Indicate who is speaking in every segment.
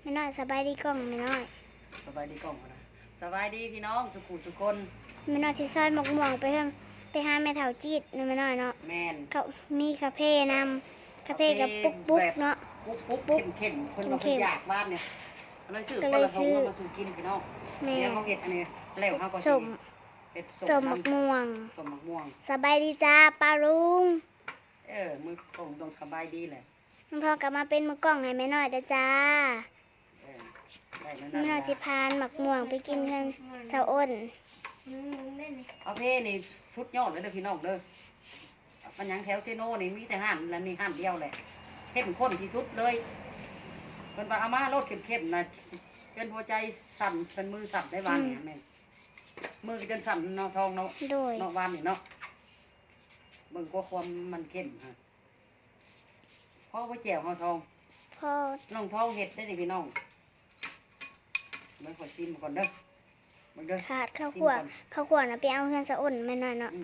Speaker 1: ไม่น้อยสบายดีกล้องไม่น้อย
Speaker 2: สบายดีกล้องนะสบายดีพี่น้องสุขุสุคน
Speaker 1: ไม่น้อยสิซอยหมกม่วงไปเพิ่มไปหาแม่เฒ่าจีดไม่น้อยเนาะ
Speaker 2: แมน
Speaker 1: เขามีคาเฟ่นำคาเฟ่กับปุ๊กเนาะ
Speaker 2: ปุ๊กเข้มคนมาคนอยากบ้านเนี่ยเลยซื้อคนละทงมาสู่กินพี่น้องเนี่ยเขาเห็ดอันนี้แล้วเขาก็
Speaker 1: สมหมกม่วง
Speaker 2: สมหมกม่วง
Speaker 1: สบายดีจ้าป้าลุง
Speaker 2: มือตรงสบายดีแหละ
Speaker 1: น้องทองกลับมาเป็นมือกล้องให้แม่น้อยเด้อจ้าแม่น้อยสิพานหมักม่วงไปกินกันเสาอ้น
Speaker 2: เอาเพ่นี่สุดยอดเลยเด้อพี่น้องเด้อมันยังแถวเซโน่นี่มีแต่ห้านแล้วนี่ห้านเดียวแหละเข้มข้นที่สุดเลยเป็นปลาอาม่ารสเข้มๆนะเป็นหัวใจสั่นเป็นมือสั่นได้วานเนี่ยแม่มือก็จนสั่นเนาะทองเนาะเนาะวานนี่เนาะเบิ่งกว่าความมันเข้มฮะพ่อไว้แจ่วเฮาทอง
Speaker 1: พ่อ
Speaker 2: น้องทองเห็ดได้ดิพี่น้องไม่ขอชิมก่อนเด้อ
Speaker 1: ขาดข้าวขั่วนะไปเอาเฮือนเสาอ้นแม่น้อยเนาะ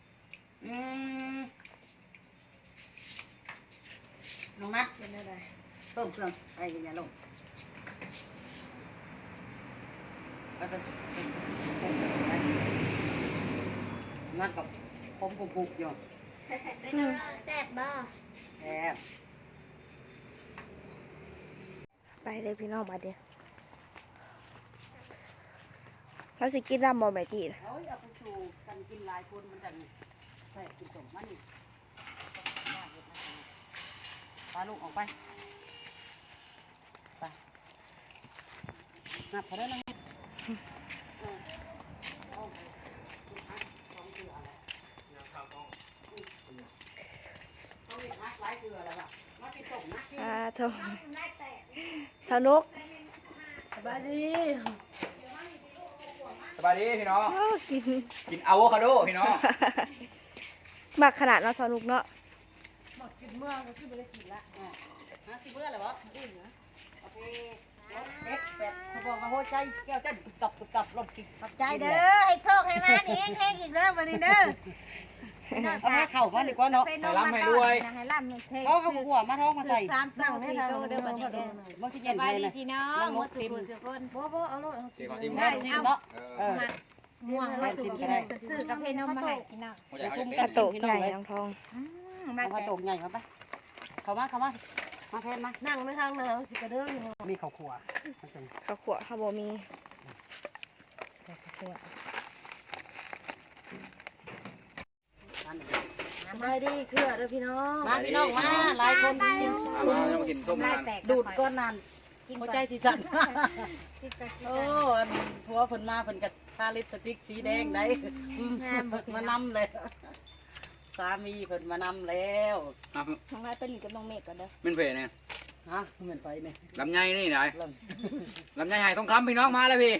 Speaker 2: น้องนัดเป็นอะไรเพิ่มเครื่องไปกินยาลงก็จะนัดกับผมผูกอยู่
Speaker 1: แซ่บบ่
Speaker 2: แซ่บ
Speaker 3: ไปเลยพี่น้องมาเดี๋ยวเราสิกินน้ำบอแม่จี
Speaker 2: เอาไปสู่กันกินหลายคนมันจะใส่กินสมมันนี่ปลาลูกออกไปนับพอได้แล้ว
Speaker 3: โทษสนุก
Speaker 2: สบายดี
Speaker 4: พี่น้องกินอะโวคาโดพี่น้อง
Speaker 3: หมักขนาดเราสนุกเนาะ
Speaker 2: หมักกินเมื่อก็คือไม่ได้กินละสิเมื่ออะไรวะอื่นนะโอเคเด็กแบบเขาบอกว่าหัวใจแก้วเต้นกับรถกินขับใจ
Speaker 1: เด้อให้โชคให้มาเองให้อีกเด้อวันนี้เด้อ
Speaker 2: เอามาเข่ามาดีกว่าเนาะ
Speaker 4: ให้ร่ำให้รวย
Speaker 2: เขาหัวมาท้องมาใส่
Speaker 1: 3 4 4เด้อบัดนี้เด้อ
Speaker 2: มันสิเย็นเลย
Speaker 1: พี่น้องหมดสุคน
Speaker 2: บ่เอาเลย
Speaker 4: ได้
Speaker 2: เอาเนาะ
Speaker 1: ม่วงมาสู่กินซื้อกับเพนมมาให้พี่น้อง
Speaker 3: กระโตกใหญ่น้องทอง
Speaker 2: กระโตกใหญ่เข้าไปเข้ามาแทนมา
Speaker 1: นั่งไม่ทางนะสิกระเด้อ
Speaker 2: มีข้าวขัว
Speaker 3: ข้าวขั่วข้าวบะมี
Speaker 1: มาดีเครือเด้อพี่น้อง
Speaker 2: มาพี่น้องมาหลายคน
Speaker 4: กินส้มนาน
Speaker 2: ดูดก้อนนานหัวใจสีสันโอ้ทัวฝนมาฝนกับทาลิปสติกสีแดงได้มานำเลยสามีฝนมานำแล้ว
Speaker 3: น้องนายไปหลีกับน้องเมฆก่อนเด้อ
Speaker 4: เป็นเพลเนี่ย
Speaker 2: ฮะเหมือนไปเนี่ย
Speaker 4: ลำไยนี่ไหนลำไยหายทองคำพี่น้องมาเลยพี่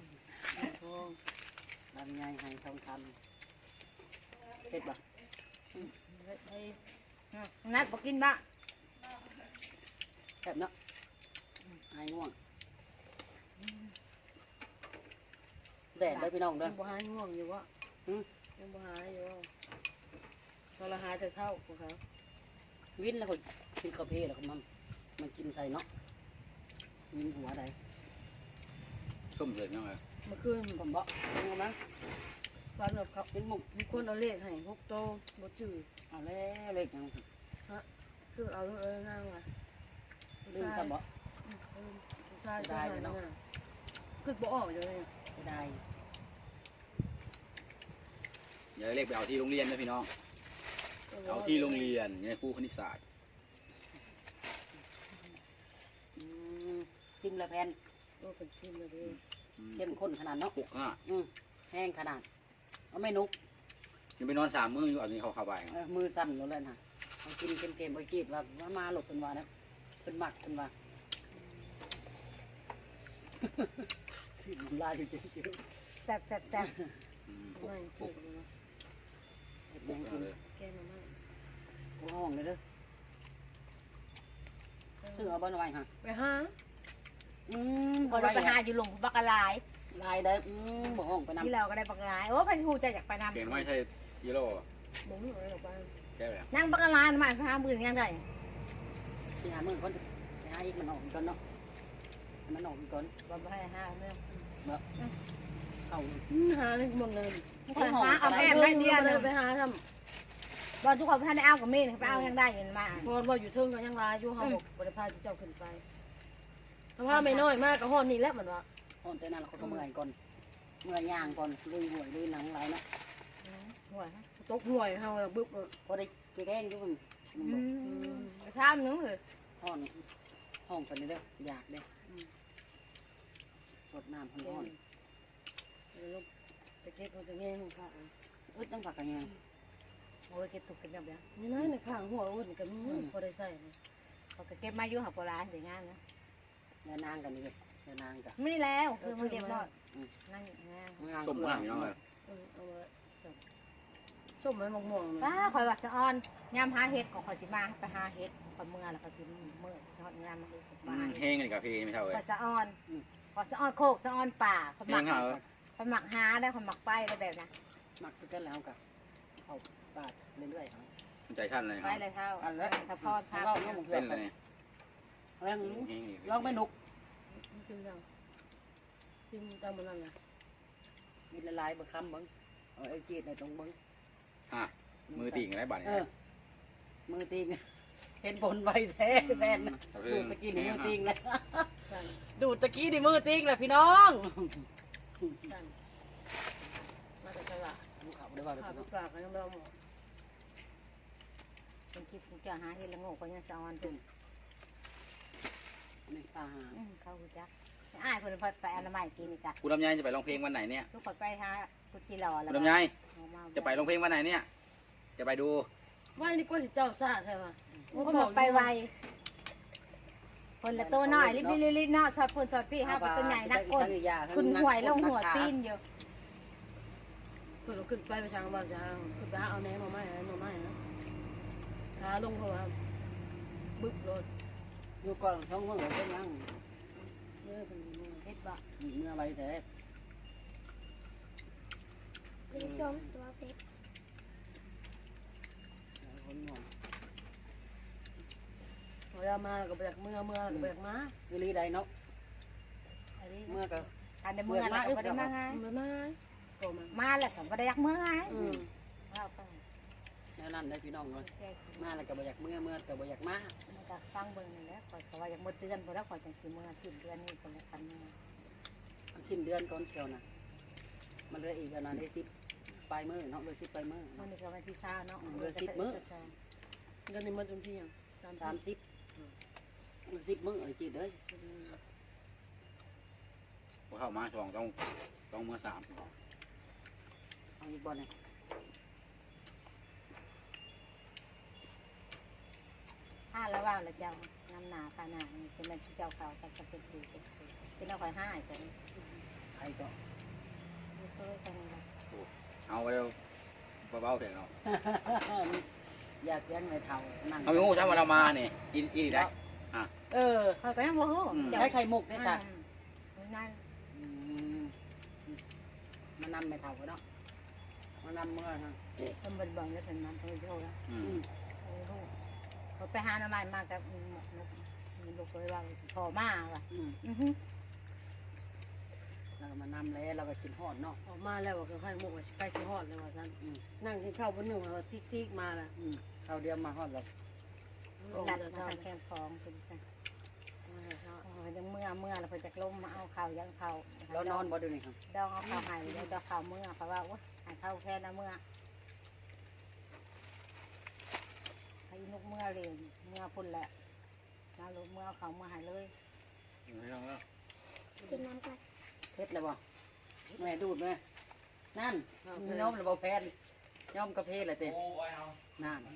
Speaker 2: ลำไยหายทองคำเผ็ดปะ
Speaker 1: นัดบอกกินบ้า
Speaker 2: แซ่บเนาะหายง่วงแดดได้พี่น้องเด้อ
Speaker 1: บ่หายง่วงอยู่วะยังบ่หายอยู่ตอนละหายแต่เช้าพวกเขา
Speaker 2: วินแล้วก็กินกาแฟแล้วก็มันกินใส่เนาะวินหัวใด
Speaker 4: ส้มเสร็จยังไง
Speaker 1: เมื่อคืน
Speaker 2: ผมบอกยังไง
Speaker 1: วันแบบเขาเป็นหมกมีคนเอาเลขให้6 โตบ่จืด
Speaker 2: เอาแล้วเลขยัง
Speaker 1: ฮะคือเอานั่งว่ะ
Speaker 2: ลืมจะบอก
Speaker 1: ได้เนาะคือบ่ออกเลย
Speaker 2: ได้
Speaker 4: อย่าเรียกไปเอาที่โรงเรียนนะพี่น้องเอาที่โรงเรียนเนี่ยครูคณิตศาสตร์
Speaker 2: จิ้มละแพน
Speaker 1: เป็นจิ้มเลย
Speaker 2: เข้มข้นขนาดเนาะแห้งขนาดเอาไม่นุก
Speaker 4: ยังไปนอน3 มื้ออยู่อันนี้เขาเข้าไป
Speaker 2: มือสั่นหมดเลยนะเอากินเค็มๆไปจีบว่ามาหลบเป็นว่านะเป็นหมักเป็นว่าสิมันลายจริงๆ
Speaker 1: แซ่บไม่แกงมา
Speaker 2: ห้องเลยเด้อซื้อเอาบ้านไว้ฮะ
Speaker 1: ไปหา
Speaker 2: ไปหาอยู่หลงบักลายได้บ่ห้องไปนำ
Speaker 1: ที่เราก็ได้บักลายโอ้พันหูใจอยากไปนำ
Speaker 4: เก่งไม่ใช่ยีโร่
Speaker 1: บ่มีอะไรหรอกบ้าน
Speaker 4: ใช่ไหม
Speaker 1: นั่งบักลายมาหาหมื่นยังไง
Speaker 2: ที่หาหมื่นคนไปหาอีกมันออกกันเนาะมันออกอีกก่อน
Speaker 1: บ่ให้ห้าเนี่ย
Speaker 2: เข้า
Speaker 1: หาเลยหมดเลย
Speaker 5: คนหาเอาแม่ให้เดียวเลย
Speaker 1: ไปหาท
Speaker 5: บอลทุกคนท่านได้เอากับมีดไปเอายังได้เงินมา
Speaker 1: ำพอบ่อยู่เทิงก็ยังลายอยู่เฮาบอกบ่ได้พาเจ้าขึ้นไปถ้าว่าไม่น้อยมากก็ฮอดนี่แหละมันว่า
Speaker 2: ตอนแต่นั้นเขาก็เมื่อยก่อนเมื่อยย่างก่อนลุยหวยลุยหนังไหลเนาะ
Speaker 1: ห่วยตกห่วยเฮาบึ้บ
Speaker 2: พอได้แกงอยู่มัน
Speaker 5: ไปข้ามนึงเลย
Speaker 2: ห้องกันนี่เด้ออยากเด้รดน้ำร้อน
Speaker 1: ลูกไปเก็บมันจะแง่ของข้า
Speaker 2: อึดตั้งผักกันยัง
Speaker 5: โอ้ยเก็บถูกเป็นแบบนี้
Speaker 1: นี่นะในข้างหัวอุ่นก็มีพอได้ใส่
Speaker 5: เขาก็เก็บมาอยู่หับโบราณสวยงามนะ
Speaker 2: เนื้อนางกันนี่เลยเนื้อนางกัน
Speaker 5: ไม่แล้วคือมันเรียบร้อยนั่งงาม
Speaker 4: ส้มมากพี่น้องเลย
Speaker 1: เอาไว้ส้มไม้ม่วง
Speaker 5: ป้าคอยว่าสะออนยามหาเห็ดของคอยสิมาไปหาเห็ดคอยเมื่อแล้วคอยสิเมื่อทอดงานมาเลยมา
Speaker 4: แห้งกันกับพี่ไม่เท่าเลย
Speaker 5: คอยสะออนคอยสะออนโคกสะออนป่าคอยห
Speaker 4: แห้
Speaker 5: มั
Speaker 4: ง
Speaker 5: ก
Speaker 4: เหรอ
Speaker 5: คอยหมักหาได้คอยหมักไปได้แบบนะ
Speaker 2: มักกันแล้วกับเข้าปาดเรื่อย
Speaker 4: ใจชั้นเลย
Speaker 5: ไปเลยเท่าถ้าพอด
Speaker 2: ๆ
Speaker 5: พัก
Speaker 2: เล่าน้องมึงเพื่
Speaker 4: เล่
Speaker 2: อน
Speaker 4: นเลย
Speaker 2: เรื่อง
Speaker 4: แห้ง
Speaker 2: ลองไม่นุก
Speaker 1: กินยังกินตามมันนั่นไง
Speaker 2: มีละลายบะคำบังไอ้จีดในตรงบัง
Speaker 4: ฮะมือติ่งอะไรบ้าง
Speaker 2: มือติงเห็นผลใบแท้แฟนดูตะกี้นี่มือติงเลย
Speaker 1: สั่น
Speaker 2: ดูตะกี้นี่มือติงเลยพี่น้อง
Speaker 1: สั่นมาแต่ตลาด
Speaker 2: ดูเขาได้ว่า
Speaker 1: ข้าวปลาก็ยังไม่เอาหมด
Speaker 5: เป็นคิดจะหาเห็ดละโง่คอยยังสะออนตุ่ม
Speaker 2: นี่ตาหา
Speaker 5: เขาหูจักอ้ายคนไปอนามัยกินนี่จ้ะ
Speaker 4: คุณลำไยจะไปร้องเพลงวันไหนเนี่ย
Speaker 5: ทุกคนไปหากุฏิหล่อแล้ว
Speaker 4: คุณลำไยจะไปร้องเพลงวันไหนเนี่ย จะไปดู
Speaker 1: ว่านี่ก็สิเจ้าซาใช่ไหม
Speaker 5: เขาบอกไปไวคนละตัวน้อยรีบรีบเนาะสอดคนสอดพี่ห้าเป็นตัวใหญ่นักก้นคุณหวยลงหัวตีนอยู่
Speaker 1: คือเราขึ้นไปทางบ้านจะขึ้นไปเอาแหนมาไหมมาไหมนะขาลงเพราะว่าบึ้บรถ
Speaker 2: อยู่ก่อนช่องมือเป็นยัง
Speaker 1: เยอะเป็นมือ
Speaker 5: เฮ็ดบ่
Speaker 2: เมื่อไรแท้
Speaker 6: มีชมตัวเพชร
Speaker 2: คนงง
Speaker 1: เวลามาก็ไปจากเมื่อก็ไปจากมา
Speaker 2: วิลีใดเนาะ
Speaker 5: อันนี้
Speaker 2: เมื่อก็
Speaker 5: อันในเมื่อแล้วก็บ่ได้มาไง
Speaker 1: เมื่อมาก็มา
Speaker 5: มาแล้วก็บ่ได้ยักเมื่อไง เอาไป
Speaker 2: แนวนั้นได้พี่น้องเลยมาแล้วก็บ่อยากเมื่อก็บ่อยากมา
Speaker 5: มันก็ฟังเบิ่งนี่แหละข่อยก็ว่าอยากหมดเดือนบ่แล้วข่อยจังสิเมื่อสิ้นเดือนนี้คนละกัน
Speaker 2: สิ้นเดือนก่อนเที่ยวนะมันเหลืออีกอันนั้นได้10ปลายมือเนาะเหลือ10ปลายมือ
Speaker 5: มันนี่ก็วันที่20เนาะ
Speaker 1: เงินในมันจนที่ยัง
Speaker 2: 30 10มื้อเลยจีเด้อ
Speaker 4: พอเข้ามาต้องมือ3
Speaker 2: เอาอีกบ่เนี่ย
Speaker 5: ห้าแล้วว่าแล้วเจ้าน้ำหนาค่าหนานี่เป็นมันที่เจ้าเขาก็จะเป็นดีเป็นเอาข่อย5กัน
Speaker 2: ใครก็
Speaker 5: นี่เคยกันละ
Speaker 4: เอาไปเบาๆเถอะเนาะ
Speaker 2: อยากเลี้ยงในเท่านั่ง
Speaker 4: เขาไม่งูใช่ว่าเรามาเนี่ยอีได้
Speaker 5: ข่อยก็ยังบ่ฮู้
Speaker 2: ใช้ไข่มุกได้สัก
Speaker 5: นั่น
Speaker 2: มานำไม่เท่าเนาะมานำเมื่อนะ
Speaker 5: เพิ่นบ่นแล้วเพิ่นนำเพิ่นโทรแล้ว เขาไปหาหน้ำมันมากับหมกนกมันลูกเลยว่าพอมาว่ะ
Speaker 2: เราก็มานำแล้วเราก็กินหอดเนาะ
Speaker 1: ออกมาแล้วก็ให้หมกใกล้ที่ฮอดเลยว่าท่านนั่งกินข้าวบนหนึ่งว่าติ๊กมาละ
Speaker 2: ข้าวเดียวมาหอดเรา
Speaker 5: ดัดมาทางแคมฟองเป็นจังยังเมื่อเราเพิ่นจะล้มมาเอาข้าวยังข้าว
Speaker 2: เรานอนบ่ดูนี่ครับ
Speaker 5: ดองเอาข้าวหายเลยดองข้าวเมื่อเพราะว่าว่าหายข้าวแค่นะเมื่อให้นกเมื่อเร็วเมื่อพุ่นแหละมาลุเมื่อข้าวเมื่อหายเลย
Speaker 6: กินน้ำกัน
Speaker 2: เพชรเลยบ่แม่ดูดไหมนั่นย้อมเลยบ่แพนย้อมกระเพาะเลยเต้นั่น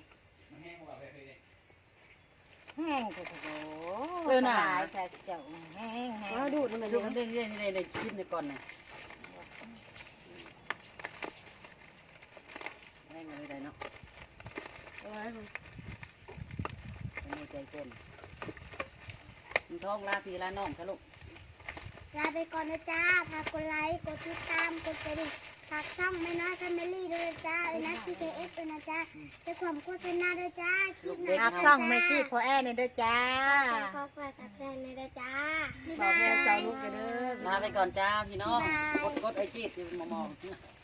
Speaker 5: แห้งโอ้โหแต่เจ้าแห้ง
Speaker 1: แล้วดูดมัน
Speaker 2: ดูมันได้ในชิ้นในก่อนน่ะแม่งอะไรได้เนาะ
Speaker 1: อะไรมัน
Speaker 2: เป็นหัวใจเต้นมันท้องลาพี่ลาน้องสรุป
Speaker 6: ลาไปก่อนนะจ้าฝากกดไลค์กดติดตามกดกระดิ่งฝากช่องไม่น้อยแฟมิลี่ด้วยนะจ้านะ TKS ด้วยนะจ้าจะความโฆษณาด้วยจ้าคลิปหน้า
Speaker 5: หักซ่องไม่กี้พอแอเนี่ยด้วยจ้า
Speaker 6: ขอฝากสับแทนเลยนะจ้าบ๊าย
Speaker 1: บอก
Speaker 6: บา
Speaker 1: แม่สาวย นุกกันเด้อ
Speaker 2: ลาไปก่อนจ้าพี่น้องกดไอจีดอยู่มอง